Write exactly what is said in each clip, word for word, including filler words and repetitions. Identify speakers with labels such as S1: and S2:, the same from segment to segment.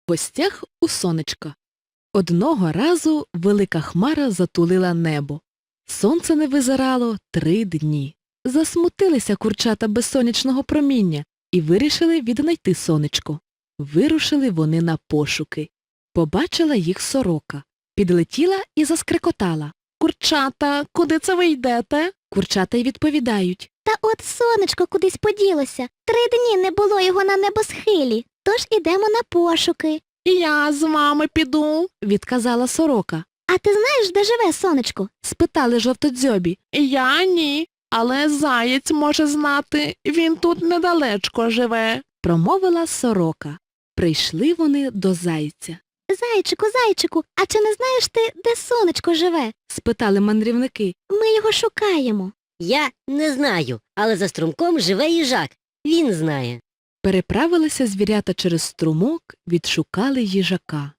S1: В гостях у сонечка. Одного разу велика хмара затулила небо. Сонце не визирало три дні. Засмутилися курчата без сонячного проміння і вирішили віднайти сонечко. Вирушили вони на пошуки. Побачила їх сорока. Підлетіла і заскрекотала. «Курчата, куди це ви йдете?» Курчата й відповідають.
S2: Та от сонечко кудись поділося. Три дні не було його на небосхилі, тож ідемо на пошуки.
S1: «Я з вами піду», – відказала сорока.
S2: А ти знаєш, де живе сонечко?
S1: – спитали жовтодзьобі. «Я ні, але заєць може знати, він тут недалечко живе», – промовила сорока. Прийшли вони до зайця.
S2: Зайчику, зайчику, а чи не знаєш ти, де сонечко живе?
S1: – спитали мандрівники.
S2: Ми його шукаємо.
S3: Я не знаю, але за струмком живе їжак. Він знає.
S1: Переправилися звірята через струмок, відшукали їжака.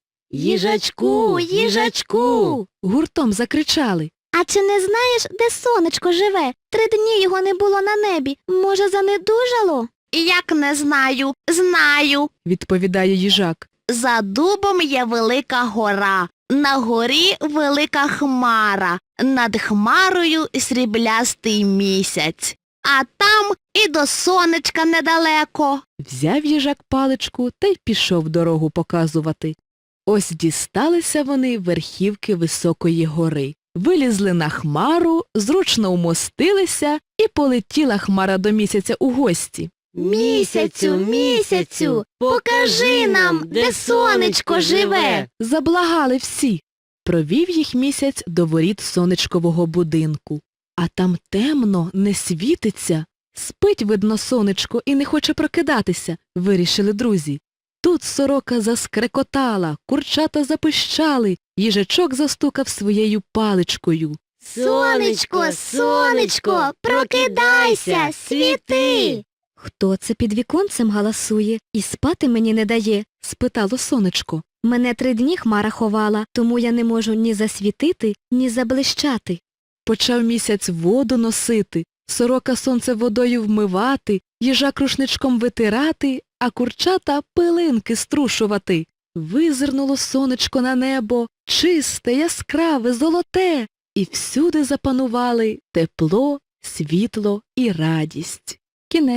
S3: Їжачку, їжачку!
S1: Гуртом закричали.
S2: А чи не знаєш, де сонечко живе? Три дні його не було на небі. Може, занедужало?
S4: Як не знаю, знаю.
S1: Відповідає їжак.
S4: За дубом є велика гора, на горі велика хмара, над хмарою сріблястий місяць. А там і до сонечка недалеко.
S1: Взяв їжак паличку та й пішов дорогу показувати. Ось дісталися вони верхівки високої гори. Вилізли на хмару, зручно умостилися, і полетіла хмара до місяця у гості.
S3: Місяцю, місяцю, покажи нам, де сонечко живе.
S1: Заблагали всі. Провів їх місяць до воріт сонечкового будинку. А там темно, не світиться. Спить, видно, сонечко і не хоче прокидатися, вирішили друзі. Тут сорока заскрекотала, курчата запищали, їжачок застукав своєю паличкою.
S2: Сонечко, сонечко, прокидайся, світи! Хто це під віконцем галасує і спати мені не дає?
S1: Спитало сонечко.
S2: Мене три дні хмара ховала, тому я не можу ні засвітити, ні заблищати.
S1: Почав місяць воду носити, сорока сонце водою вмивати, їжак рушничком витирати, а курчата пилинки струшувати. Визирнуло сонечко на небо, чисте, яскраве, золоте, і всюди запанували тепло, світло і радість. Кінець.